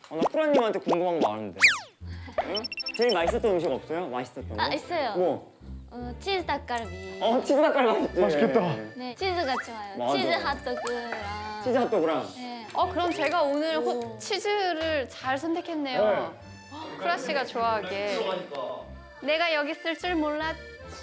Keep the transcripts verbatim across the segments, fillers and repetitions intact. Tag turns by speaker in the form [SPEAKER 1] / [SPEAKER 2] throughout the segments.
[SPEAKER 1] 어, 나 프라님한테 궁금한 거 많은데. 응? 제일 맛있었던 음식 없어요? 맛있었던 거?
[SPEAKER 2] 아 있어요.
[SPEAKER 1] 뭐?
[SPEAKER 2] 어, 치즈 닭갈비.
[SPEAKER 1] 어 치즈 닭갈비 맛있지.
[SPEAKER 3] 맛있겠다.
[SPEAKER 2] 네, 치즈가 좋아요.
[SPEAKER 1] 맞아.
[SPEAKER 2] 치즈 핫도그랑.
[SPEAKER 1] 치즈 핫도그랑.
[SPEAKER 2] 네.
[SPEAKER 4] 어 그럼 제가 오늘 호,
[SPEAKER 2] 오.
[SPEAKER 4] 치즈를 잘 선택했네요. 쿠라 씨가 좋아하게. 내가 여기 있을 줄 몰랐지.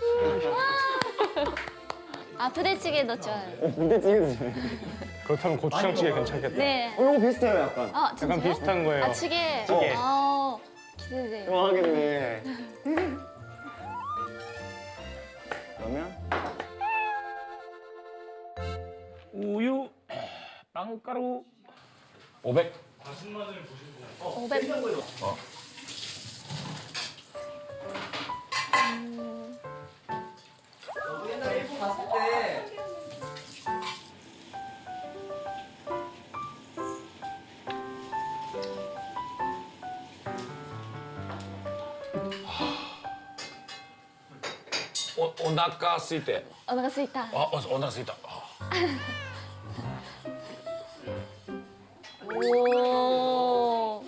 [SPEAKER 2] 아 부대찌개도 좋아요.
[SPEAKER 1] 어 부대찌개도 좋아해.
[SPEAKER 3] 그렇다면 고추장찌개 괜찮겠다.
[SPEAKER 2] 네.
[SPEAKER 1] 어 이거 비슷해요 약간.
[SPEAKER 2] 아 진짜요?
[SPEAKER 3] 약간 비슷한 거예요.
[SPEAKER 2] 아 찌개.
[SPEAKER 1] 찌개.
[SPEAKER 2] 아 기대돼요.
[SPEAKER 1] 좋아하겠네. 그러면
[SPEAKER 3] 우유, 빵가루 오백.
[SPEAKER 2] 오백.
[SPEAKER 5] 옛날에 일본 갔을 때
[SPEAKER 6] おお腹空いて
[SPEAKER 2] お腹すいた。
[SPEAKER 6] あおお腹空いたあ
[SPEAKER 2] 오.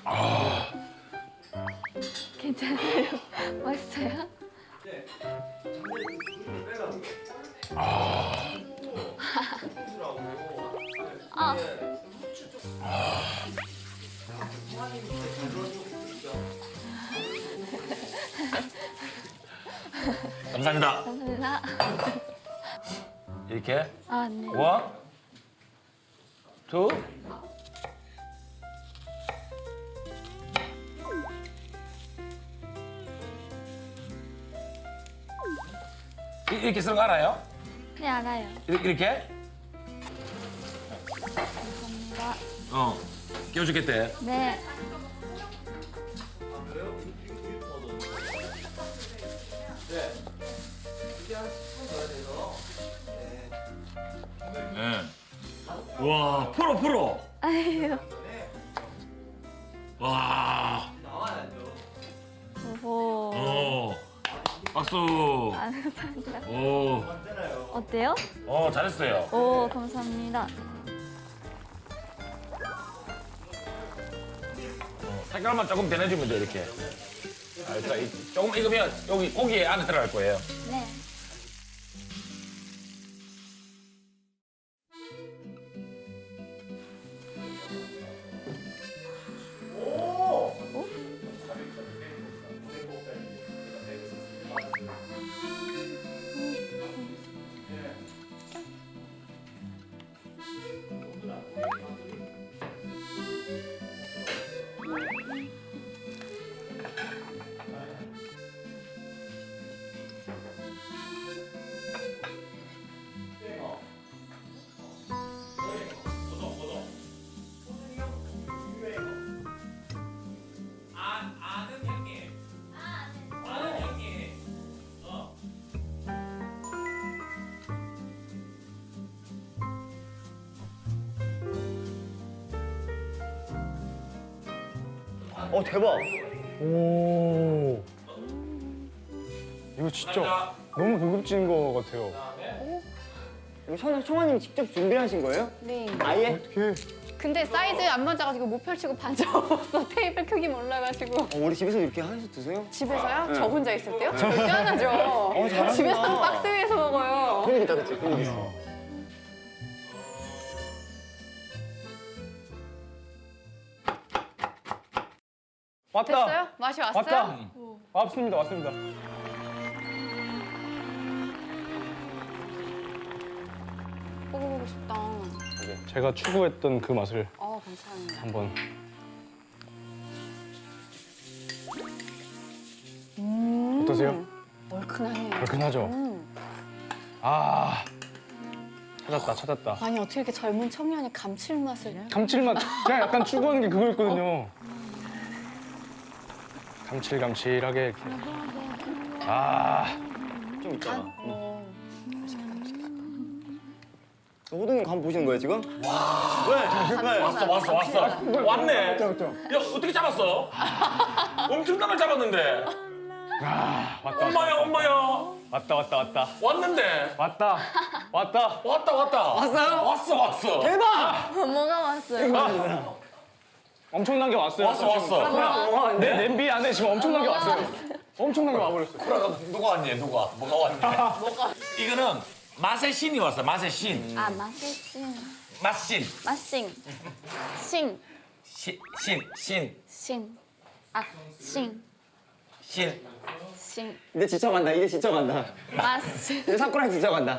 [SPEAKER 2] 괜찮아요? 맛있어요? 아.
[SPEAKER 6] 감사합니다
[SPEAKER 2] 감사합니다.
[SPEAKER 6] 이렇게
[SPEAKER 2] 아, 네.
[SPEAKER 6] 원, 투 이- 이렇게 쓰는 거 알아요?
[SPEAKER 2] 네, 알아요.
[SPEAKER 6] 이렇게? 이렇게?
[SPEAKER 2] 감사합니다.
[SPEAKER 6] 어 끼워주겠대
[SPEAKER 2] 네.
[SPEAKER 6] 네. 와 프로 프로
[SPEAKER 2] 아유.
[SPEAKER 6] 와
[SPEAKER 2] 오호.
[SPEAKER 6] 어, 박수
[SPEAKER 2] 아, 감사합니다.
[SPEAKER 6] 오,
[SPEAKER 2] 어때요?
[SPEAKER 6] 어 잘했어요
[SPEAKER 2] 오, 감사합니다.
[SPEAKER 6] 색깔만 조금 변해주면 돼 이렇게 아, 그러니까 이- 조금 익으면 여기 고기 안에 들어갈 거예요
[SPEAKER 2] 네.
[SPEAKER 1] 어 대박.
[SPEAKER 3] 오. 이거 진짜 너무 고급진 거 같아요.
[SPEAKER 1] 이거 청, 청아님 직접 준비하신 거예요?
[SPEAKER 4] 네.
[SPEAKER 1] 아예?
[SPEAKER 3] 어떻게?
[SPEAKER 4] 근데 사이즈 안 맞아가지고 못 펼치고 반 접었어. 테이블 크기 몰라가지고.
[SPEAKER 1] 어, 우리 집에서 이렇게 해서 드세요?
[SPEAKER 4] 집에서요?
[SPEAKER 1] 네.
[SPEAKER 4] 저 혼자 있을 때요? 절대 안 하죠.
[SPEAKER 1] 잘한다.
[SPEAKER 4] 집에서는 박스 위에서 먹어요.
[SPEAKER 1] 그런 게 있다 그치? 그런 게 있어.
[SPEAKER 3] 왔다.
[SPEAKER 4] 됐어요? 맛이 왔어요?
[SPEAKER 3] 왔다. 왔습니다. 왔습니다.
[SPEAKER 4] 먹어보고 싶다.
[SPEAKER 3] 제가 추구했던 그 맛을
[SPEAKER 4] 어, 감사합니다.
[SPEAKER 3] 한번. 어떠세요?
[SPEAKER 4] 얼큰하네요.
[SPEAKER 3] 얼큰하죠?
[SPEAKER 4] 음.
[SPEAKER 3] 아. 찾았다. 찾았다.
[SPEAKER 4] 아니 어떻게 이렇게 젊은 청년이 감칠맛을
[SPEAKER 3] 감칠맛. 제가 약간 추구하는 게 그거였거든요. 감칠감칠하게 이렇게. 아.
[SPEAKER 1] 좀 있잖아.
[SPEAKER 4] 어.
[SPEAKER 1] 호동이 간 보시는 거예요 지금? 와. 왜? 왜?
[SPEAKER 6] 왔어 왔어 왔어 왔네
[SPEAKER 1] 그렇죠, 그렇죠.
[SPEAKER 6] 야 어떻게 잡았어? 엄청난 걸 잡았는데
[SPEAKER 3] 아, 왔다.
[SPEAKER 6] 엄마야 엄마야
[SPEAKER 3] 왔다. 왔다. 왔다.
[SPEAKER 6] 왔는데
[SPEAKER 3] 왔다. 왔다.
[SPEAKER 6] 왔다 왔다
[SPEAKER 1] 왔어요?
[SPEAKER 6] 왔어 왔어
[SPEAKER 1] 대박!
[SPEAKER 2] 뭐가 왔어요?
[SPEAKER 6] 아,
[SPEAKER 3] 엄청난 게 왔어요.
[SPEAKER 6] 왔어 왔어.
[SPEAKER 1] 와,
[SPEAKER 3] 내
[SPEAKER 1] 네.
[SPEAKER 3] 냄비 안에 지금 엄청난 게 왔어요. 엄청난 게 와버렸어요.
[SPEAKER 6] 그럼 누가 왔니? 누가? 뭐가 왔니? 뭐가? 이거는 맛의 신이 왔어. 맛의 신.
[SPEAKER 2] 아, 맛있신.
[SPEAKER 6] 맛신.
[SPEAKER 2] 맛싱. 싱.
[SPEAKER 6] 신. 신. 신.
[SPEAKER 2] 싱. 아, 싱.
[SPEAKER 6] 신.
[SPEAKER 2] 싱.
[SPEAKER 1] 이제 지쳐간다. 이제 지쳐간다.
[SPEAKER 2] 맛싱.
[SPEAKER 1] 이제 사쿠라 지쳐간다.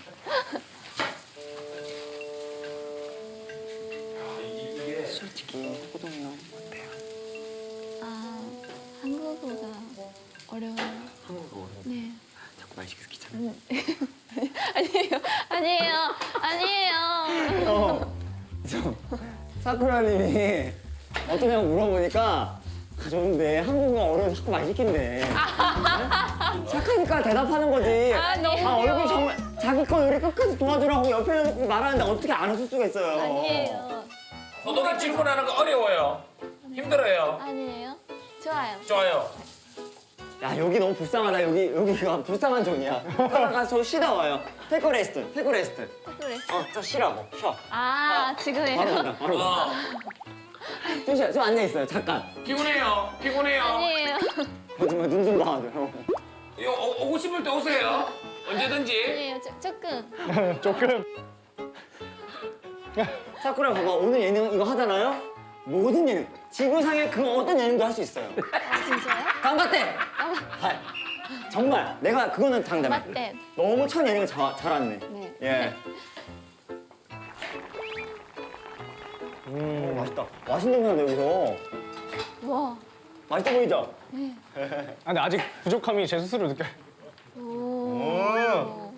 [SPEAKER 1] 솔직히 호동이 형 어때요?
[SPEAKER 2] 아, 한국어가 어려워요.
[SPEAKER 1] 한국어 어려워.
[SPEAKER 2] 네.
[SPEAKER 1] 자꾸 말 시켜서 귀찮아.
[SPEAKER 2] 아니에요. 아니에요. 아니에요.
[SPEAKER 1] 어, 저 사쿠라님이 어떠냐고 물어보니까 아, 좋은데 한국어가 어려워서 자꾸 말 시킨대. 착하니까 대답하는 거지.
[SPEAKER 2] 아, 너무
[SPEAKER 1] 아, 얼굴
[SPEAKER 2] 귀여워.
[SPEAKER 1] 정말 자기 거 요리 끝까지 도와주라고 옆에 놓고 말하는데 어떻게 안 웃을 수가 있어요.
[SPEAKER 2] 아니에요.
[SPEAKER 6] 호동이 질문하는 거 어려워요. 힘들어요.
[SPEAKER 2] 아니에요. 좋아요.
[SPEAKER 6] 좋아요.
[SPEAKER 1] 야, 여기 너무 불쌍하다. 여기 여기가 불쌍한 존이야. 따라가 저 쉬다 와요. 테이크 레스트. 테이크 레스트.
[SPEAKER 2] 그래.
[SPEAKER 1] 어, 저 쉬라고. 쉬어.
[SPEAKER 2] 아,
[SPEAKER 1] 바로
[SPEAKER 2] 지금이에요.
[SPEAKER 1] 간다. 바로 간다.
[SPEAKER 6] 어.
[SPEAKER 1] 좀 쉬어. 좀 앉아 있어요. 잠깐.
[SPEAKER 6] 피곤해요. 피곤해요.
[SPEAKER 2] 아니에요.
[SPEAKER 1] 거짓말 눈좀 봐줘.
[SPEAKER 6] 이거 오- 오고 싶을 때 오세요. 언제든지.
[SPEAKER 2] 아니에요. 조, 조금.
[SPEAKER 3] 조금.
[SPEAKER 1] 사쿠라 봐봐. 오늘 예능 이거 하잖아요. 모든 예능. 지구상에 그 어떤 예능도 할 수 있어요.
[SPEAKER 2] 아, 진짜요?
[SPEAKER 1] 강바떼. 아, 정말 내가 그거는 장담해.
[SPEAKER 2] 맞대.
[SPEAKER 1] 너무 첫 예능을 자, 잘았네.
[SPEAKER 2] 네.
[SPEAKER 1] 예. 음, 맛있다. 맛있는 거야 여기서.
[SPEAKER 2] 와.
[SPEAKER 1] 맛있어 보이죠?
[SPEAKER 3] 아, 근데 아직 부족함이 제 스스로 느껴요.
[SPEAKER 2] 오.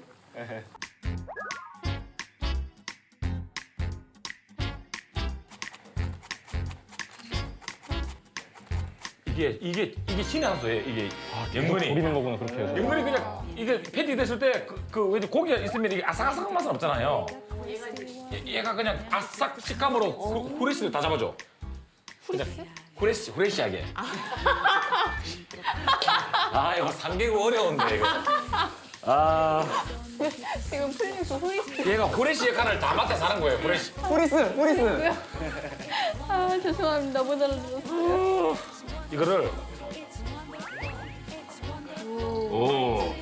[SPEAKER 6] 이게 이게 이게 신의 한 수예요. 이게 연근이.
[SPEAKER 3] 버리는 거구나 그렇게 해서.
[SPEAKER 6] 연근이 그냥 이게 패티 됐을 때그 그 왠지 고기가 있으면 이게 아삭아삭한 맛은 없잖아요. 얘, 얘가 그냥 아삭 식감으로 후- 후레쉬를 다 잡아줘. 후레쉬? 후레쉬 후레쉬하게. 아 이거 삼개국 어려운데 이거. 아
[SPEAKER 2] 지금 풀리고 후이스.
[SPEAKER 6] 얘가 후레쉬 역할을 다 맡아 사는 거예요. 후레쉬.
[SPEAKER 1] 후리스, 후리스.
[SPEAKER 2] 아, 죄송합니다. 못 알아들었어요.
[SPEAKER 6] 이거를 오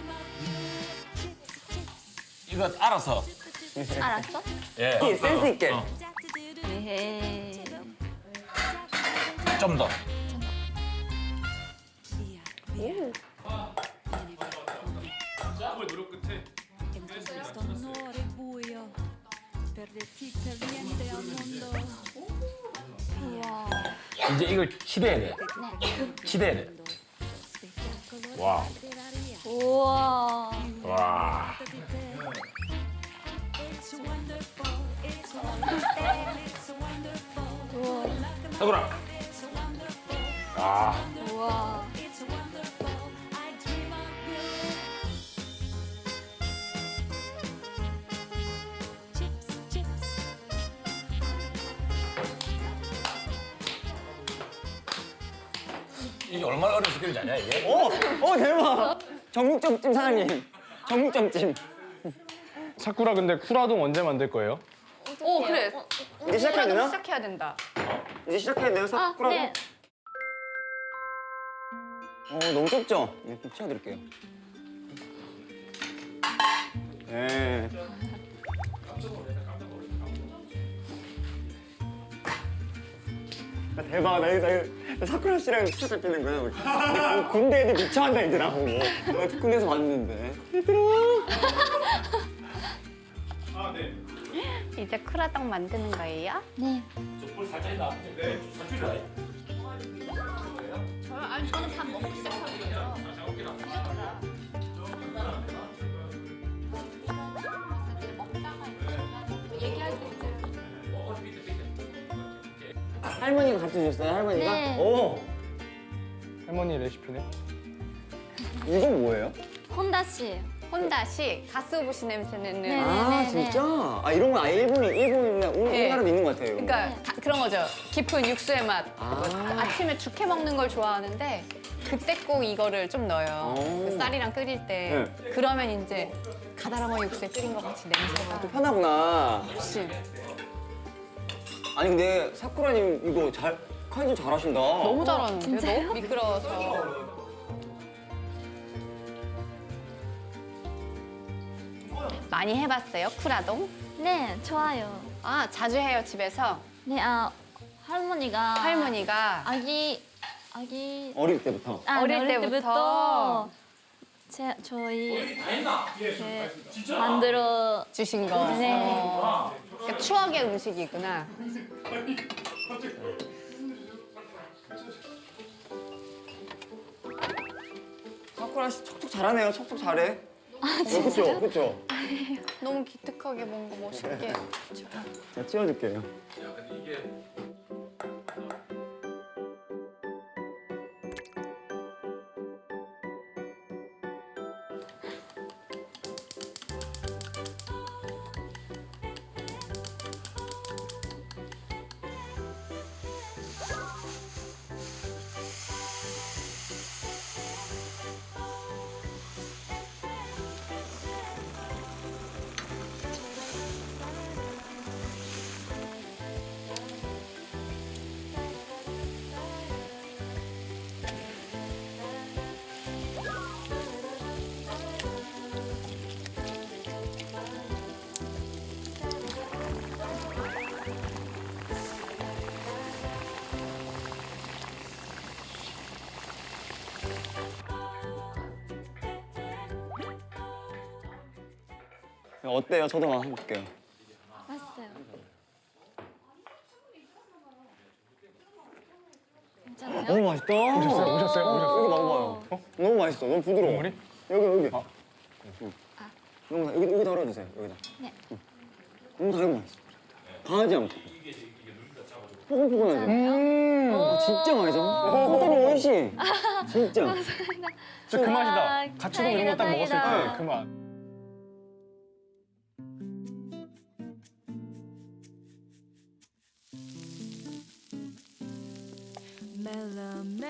[SPEAKER 6] 이거 알아서
[SPEAKER 2] 알았어?
[SPEAKER 6] 예
[SPEAKER 1] 센스 있게.
[SPEAKER 6] 어,
[SPEAKER 2] 에헤이.
[SPEAKER 6] 좀 더.
[SPEAKER 7] Questo onore buio per le fitte viende al mondo.
[SPEAKER 2] 우와.
[SPEAKER 6] 이제 이걸 치대야 돼. 치대야 돼. 와.
[SPEAKER 2] 우와.
[SPEAKER 6] 와.
[SPEAKER 7] It's wonderful, it's wonderful, it's wonderful,
[SPEAKER 2] 우와.
[SPEAKER 6] 서구라. 아.
[SPEAKER 2] 우와.
[SPEAKER 7] it's wonderful. I dream of you. Chips, chips.
[SPEAKER 6] 이게 얼마나 어려운 스킬인지 아냐 이게?
[SPEAKER 1] 오, 오 대박. 정육점찜 사장님. 정육점찜.
[SPEAKER 3] 사쿠라 근데 쿠라동 언제 만들 거예요?
[SPEAKER 4] 오, 그래.
[SPEAKER 1] 이제 시작해야 되나?
[SPEAKER 4] 시작해야 된다.
[SPEAKER 1] 이제 시작해야 돼요,
[SPEAKER 2] 아,
[SPEAKER 1] 사쿠라.
[SPEAKER 2] 네.
[SPEAKER 1] 어, 너무 좁죠? 네, 좀 치워드릴게요. 네. 아, 대박. 나 이거, 나 이거 사쿠라 씨랑 진짜 잡히는 거야, 우리. 근데 군대 애들 미쳐한다, 얘들아. 어, 나 군대에서 봤는데. 얘들아.
[SPEAKER 4] 이제 쿠라떡 만드는 거예요?
[SPEAKER 2] 네.
[SPEAKER 6] 볼 살짝 있나? 네. 살줄이라.
[SPEAKER 4] 저요? 아니, 저는 밥 먹고 시작하거든요.
[SPEAKER 1] 할머니가 가르쳐 주셨어요, 할머니가?
[SPEAKER 2] 네.
[SPEAKER 1] 오,
[SPEAKER 3] 할머니 레시피네.
[SPEAKER 1] 이건 뭐예요?
[SPEAKER 2] 혼다 씨.
[SPEAKER 4] 혼다식 가스오부시 냄새 내는.
[SPEAKER 2] 네.
[SPEAKER 1] 아,
[SPEAKER 2] 네, 네.
[SPEAKER 1] 진짜? 아, 이런 거 아예 일본이, 일본이나 우-
[SPEAKER 4] 네.
[SPEAKER 1] 우리나라도 있는 것 같아요. 이런 거.
[SPEAKER 4] 그러니까 다- 그런 거죠. 깊은 육수의 맛.
[SPEAKER 1] 아.
[SPEAKER 4] 아침에 죽해 먹는 걸 좋아하는데 그때 꼭 이거를 좀 넣어요.
[SPEAKER 1] 오.
[SPEAKER 4] 그 쌀이랑 끓일 때. 그러면 이제 가다랑어 육수에 끓인 것 같이 냄새가.
[SPEAKER 1] 편하구나.
[SPEAKER 4] 훨씬.
[SPEAKER 1] 아니 근데 사쿠라님 이거 잘 칼질 잘하신다.
[SPEAKER 4] 너무 잘하는데? 너무 미끄러워서. 많이 해봤어요, 쿠라동?
[SPEAKER 2] 네, 좋아요.
[SPEAKER 4] 아, 자주 해요, 집에서?
[SPEAKER 2] 네, 아 할머니가
[SPEAKER 4] 할머니가.
[SPEAKER 2] 아기 아기
[SPEAKER 1] 어릴 때부터.
[SPEAKER 2] 아,
[SPEAKER 4] 어릴 때부터
[SPEAKER 2] 제 저희 이렇게 만들어
[SPEAKER 4] 주신 거.
[SPEAKER 2] 네.
[SPEAKER 4] 어. 그러니까 추억의 음식이구나.
[SPEAKER 1] 사쿠라 씨 척척 잘하네요. 척척 잘해. 아 진짜? 그렇죠, 그렇죠.
[SPEAKER 4] 너무 기특하게 뭔가 멋있게.
[SPEAKER 1] 제가 찍어줄게요. 어때요? 저도 한번 해볼게요.
[SPEAKER 2] 맛있어요. 괜찮아요?
[SPEAKER 1] 너무 맛있다.
[SPEAKER 3] 오셨어요? 오셨어요? 오셨어요?
[SPEAKER 1] 여기 먹어봐요. 어? 너무 맛있어. 너무 부드러워.
[SPEAKER 3] 국물이?
[SPEAKER 1] 여기 여기.
[SPEAKER 3] 아.
[SPEAKER 1] 응. 너무 다- 여기 여기 덜어주세요. 여기다.
[SPEAKER 2] 네.
[SPEAKER 1] 너무 달고 맛있어. 강하지 않고. 포근포근하죠.
[SPEAKER 3] 음.
[SPEAKER 1] 어, 진짜 맛있어. 호텔이 오이시. 진짜.
[SPEAKER 3] 진짜 그
[SPEAKER 2] 아,
[SPEAKER 3] 맛이다. 가츠동 이런 거 딱 먹었을
[SPEAKER 2] 다행이다.
[SPEAKER 3] 때 그 맛.
[SPEAKER 7] Melame.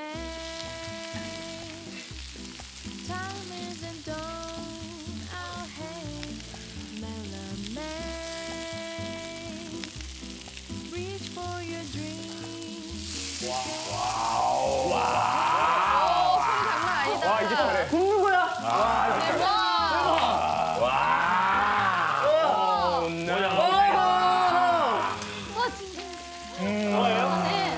[SPEAKER 7] Time isn't done. Oh hey, Melame. Reach for your dreams.
[SPEAKER 3] 와 이제 잘해.
[SPEAKER 1] 굽는 거야.
[SPEAKER 3] 와. 뭐야?
[SPEAKER 2] 와 진짜.
[SPEAKER 3] 음.
[SPEAKER 2] 네.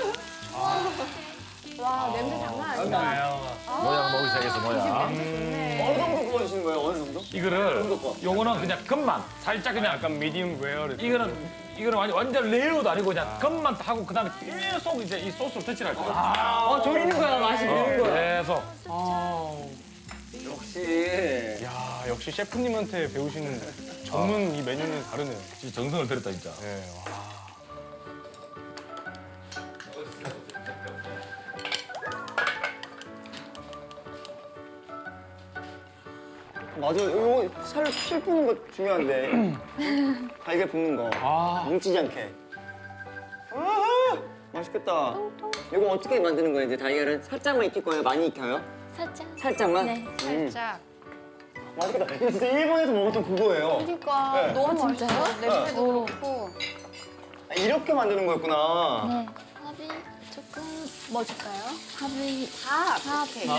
[SPEAKER 4] 와, 냄새 장난 아니다.
[SPEAKER 6] 모양 먹기 시작했어 모양.
[SPEAKER 1] 어느 정도 구워주시는 거예요? 어느 정도?
[SPEAKER 6] 이거를
[SPEAKER 1] 거?
[SPEAKER 6] 요거는 그냥 겉만 살짝 그냥
[SPEAKER 3] 약간 미디움 웨어.
[SPEAKER 6] 이거는 이거는 완전 완전 레어도 아니고 그냥 겉만 하고 그다음에 계속 이제 이 소스를 터치할 거야.
[SPEAKER 1] 아, 졸이는 거야. 맛이 비는 거야.
[SPEAKER 6] 계속.
[SPEAKER 1] 역시.
[SPEAKER 3] 야 역시 셰프님한테 배우시는 전문 이 메뉴는 다르네요.
[SPEAKER 6] 진짜 정성을 들였다 진짜.
[SPEAKER 3] 네. 와.
[SPEAKER 1] 맞아. 이거 살, 실 푸는 거 중요한데. 달걀 볶는 거.
[SPEAKER 3] 아.
[SPEAKER 1] 뭉치지 않게. 아하! 맛있겠다. 이거 어떻게 만드는 거예요? 이제 달걀은 살짝만 익힐 거예요? 많이 익혀요?
[SPEAKER 2] 살짝.
[SPEAKER 1] 살짝만?
[SPEAKER 2] 네.
[SPEAKER 1] 음.
[SPEAKER 4] 살짝.
[SPEAKER 1] 맛있겠다. 이거 진짜 일본에서 먹었던 그거예요.
[SPEAKER 4] 그러니까
[SPEAKER 1] 네.
[SPEAKER 4] 너무
[SPEAKER 2] 아, 진짜요?
[SPEAKER 4] 맛있어. 냄새도 그렇고.
[SPEAKER 1] 아, 이렇게 만드는 거였구나.
[SPEAKER 2] 네. 밥이 조금 뭐 줄까요? 밥이
[SPEAKER 4] 밥.
[SPEAKER 2] 밥.
[SPEAKER 4] 오케이.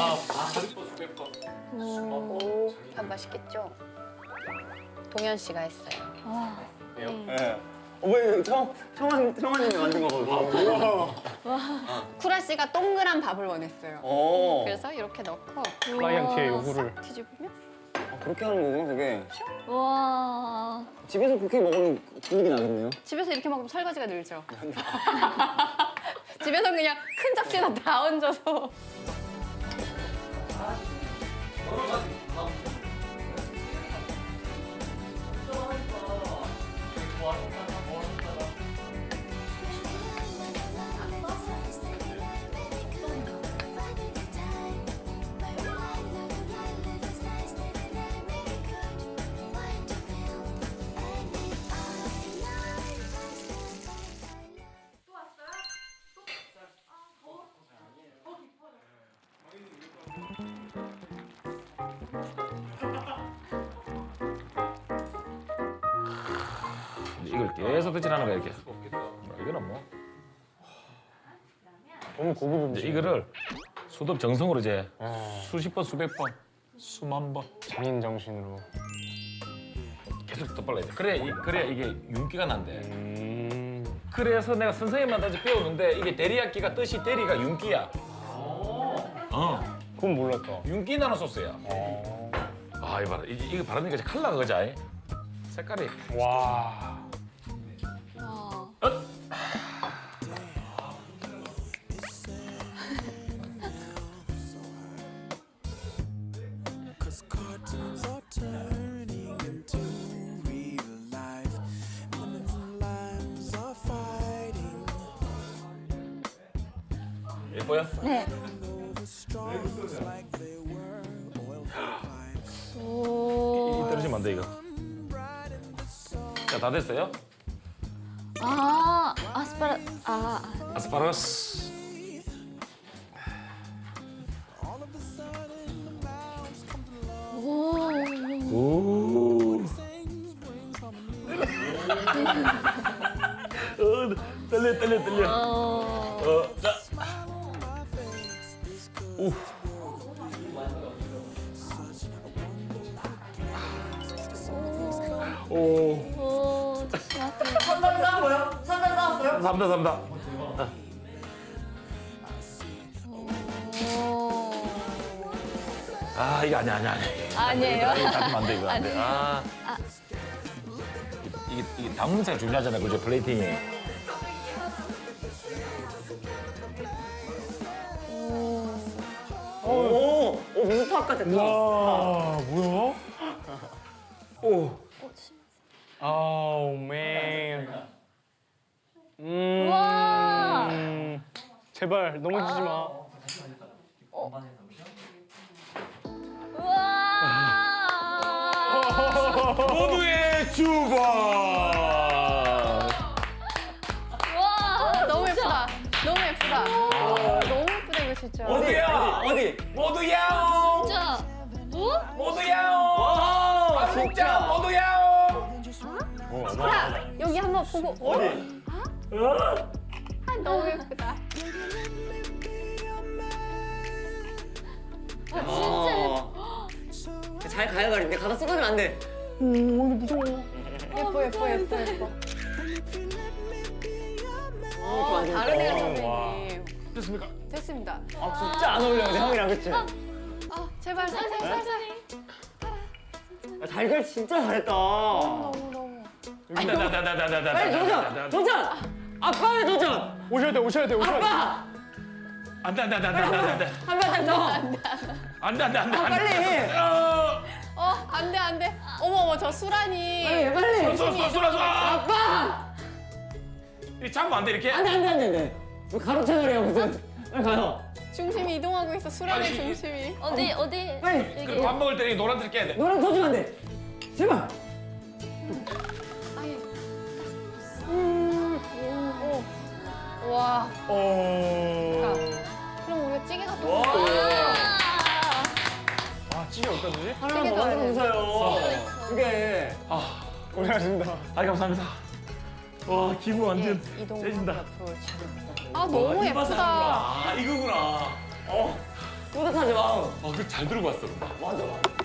[SPEAKER 2] 오.
[SPEAKER 4] 오, 밥 맛있겠죠? 동현 씨가 했어요.
[SPEAKER 2] 와.
[SPEAKER 1] 네. 어, 왜 청, 청한, 청한님이 만든 거거든요.
[SPEAKER 4] 쿠라 씨가 동그란 밥을 원했어요.
[SPEAKER 1] 어.
[SPEAKER 4] 그래서 이렇게 넣고
[SPEAKER 3] 클라이언트의 요구를.
[SPEAKER 4] 싹 뒤집으면
[SPEAKER 1] 아, 그렇게 하는 거구나, 그게.
[SPEAKER 2] 와.
[SPEAKER 1] 집에서 그렇게 먹으면 분위기 나겠네요.
[SPEAKER 4] 집에서 이렇게 먹으면 설거지가 늘죠. 집에서 그냥 큰 접시에다 다 얹어서.
[SPEAKER 6] 이걸 계속 터치하는 거야 이렇게. 이거는 뭐.
[SPEAKER 3] 너무 고급
[SPEAKER 6] 이제
[SPEAKER 3] 음식.
[SPEAKER 6] 이거를 수도 정성으로 이제 수십 번, 수백 번, 수만 번
[SPEAKER 3] 장인 정신으로.
[SPEAKER 6] 계속 덧발라야 돼. 그래, 이, 그래 이게 윤기가 난대.
[SPEAKER 3] 음.
[SPEAKER 6] 그래서 내가 선생님한테 배우는데 이게 데리야끼가 뜻이 데리가 윤기야. 어,
[SPEAKER 3] 그건 몰랐다.
[SPEAKER 6] 윤기 나는 소스야.
[SPEAKER 3] 어.
[SPEAKER 6] 아, 이거 봐라. 이게, 이거 바르니까 이제 컬러가 그자. 색깔이.
[SPEAKER 3] 와.
[SPEAKER 2] 어.
[SPEAKER 8] Cause cartoons are turning into real life. Lemons and limes are fighting
[SPEAKER 6] 예뻐요?
[SPEAKER 2] 네.
[SPEAKER 8] over straws like they were oil pipes.
[SPEAKER 6] 이, 이 떨어지면 안 돼, 이거. 자, 다 됐어요?
[SPEAKER 2] 아, 아스파라, 아,
[SPEAKER 6] 아스파라거스.
[SPEAKER 2] 오.
[SPEAKER 6] 오. 어, 떨려, 떨려, 떨려.
[SPEAKER 2] 어.
[SPEAKER 6] 어, 자. 오. 오.
[SPEAKER 2] 오, 조심하세요.
[SPEAKER 1] 선담 싸웠어요? 선담 싸웠어요?
[SPEAKER 6] 삼다, 삼다.
[SPEAKER 2] 오.
[SPEAKER 6] 아, 이거 아니야, 아니야, 아니야.
[SPEAKER 2] 아니에요?
[SPEAKER 6] 이거 닫으면 안 돼, 이거 안 돼. 아. 이게, 이게 담음새가 중요하잖아요, 그죠? 플레이팅이.
[SPEAKER 1] 오, 오 무슨 탑 같아.
[SPEAKER 3] 와, 뭐야?
[SPEAKER 6] 오.
[SPEAKER 3] 아우, 맨. 음.
[SPEAKER 2] 와.
[SPEAKER 3] 음. 제발 넘어지지 마.
[SPEAKER 2] 우와.
[SPEAKER 6] 모두의 주방.
[SPEAKER 2] 와.
[SPEAKER 4] 너무 예쁘다. 너무 예쁘다. 오, 너무 예쁘다 이거 진짜.
[SPEAKER 6] 어디야?
[SPEAKER 1] 어디?
[SPEAKER 6] 모두 야옹.
[SPEAKER 2] 진짜. 어?
[SPEAKER 6] 모두 야옹.
[SPEAKER 1] 와,
[SPEAKER 6] 밥 먹자.
[SPEAKER 1] 진짜.
[SPEAKER 6] 모두 야옹.
[SPEAKER 4] 자, 여기 한번 보고.
[SPEAKER 1] 어디?
[SPEAKER 4] 아, 너무 예쁘다.
[SPEAKER 1] 아, 진짜. 잘 가요, 가린데 가다 쓰러지면 안 돼.
[SPEAKER 4] 예뻐, 예뻐, 예뻐, 예뻐. 어,
[SPEAKER 1] 좋아,
[SPEAKER 4] 다르네요,
[SPEAKER 1] 좋아.
[SPEAKER 4] 선생님.
[SPEAKER 6] 됐습니까?
[SPEAKER 4] 됐습니다.
[SPEAKER 1] 아, 진짜 안 어울려, 근데 형이랑 그치?
[SPEAKER 4] 아, 제발, 살살, 살살.
[SPEAKER 1] 아, 달걀 진짜 잘했다.
[SPEAKER 4] 너무, 너무.
[SPEAKER 6] 나나나나나나.
[SPEAKER 1] 빨리 도전! 도전! 아빠의 도전!
[SPEAKER 3] 오셔야 돼, 오셔야 돼, 오셔야 돼.
[SPEAKER 1] 아빠!
[SPEAKER 6] 안돼 안돼 안돼 안돼 안돼
[SPEAKER 1] 한 번 더!
[SPEAKER 6] 안돼 안돼 안돼
[SPEAKER 1] 빨리!
[SPEAKER 4] 어, 안 돼, 안 돼. 어머, 어머, 저 수란이.
[SPEAKER 1] 빨리, 빨리!
[SPEAKER 6] 쏘쏘 쏘라 쏘.
[SPEAKER 1] 아빠!
[SPEAKER 6] 이 잡으면 안 돼 이렇게.
[SPEAKER 1] 안 돼, 안 돼, 안 돼, 안 돼. 뭐 가로 채널이야, 무슨. 빨리 가요.
[SPEAKER 4] 중심이 이동하고 있어, 수란의
[SPEAKER 6] 아니,
[SPEAKER 4] 중심이.
[SPEAKER 2] 어디, 어디?
[SPEAKER 1] 빨리!
[SPEAKER 6] 그리고 밥 먹을 때 이 노란색 깨야 돼.
[SPEAKER 1] 노란 더 주면 안 돼. 제발!
[SPEAKER 4] 와,
[SPEAKER 3] 어.
[SPEAKER 4] 그럼 우리가 찌개가 또.
[SPEAKER 1] 와!
[SPEAKER 3] 아, 찌개 어디다 주지?
[SPEAKER 1] 하나만
[SPEAKER 4] 찌개도
[SPEAKER 1] 더
[SPEAKER 4] 안
[SPEAKER 1] 하면 웃어요. 그게.
[SPEAKER 3] 고생하십니다.
[SPEAKER 6] 아 감사합니다. 와 기분 완전
[SPEAKER 4] 이동.
[SPEAKER 6] 세진다.
[SPEAKER 4] 아, 너무 예쁘다.
[SPEAKER 6] 아 이거구나. 어,
[SPEAKER 1] 뿌듯하지, 마음.
[SPEAKER 6] 어, 그잘 들고 왔어.
[SPEAKER 1] 맞아.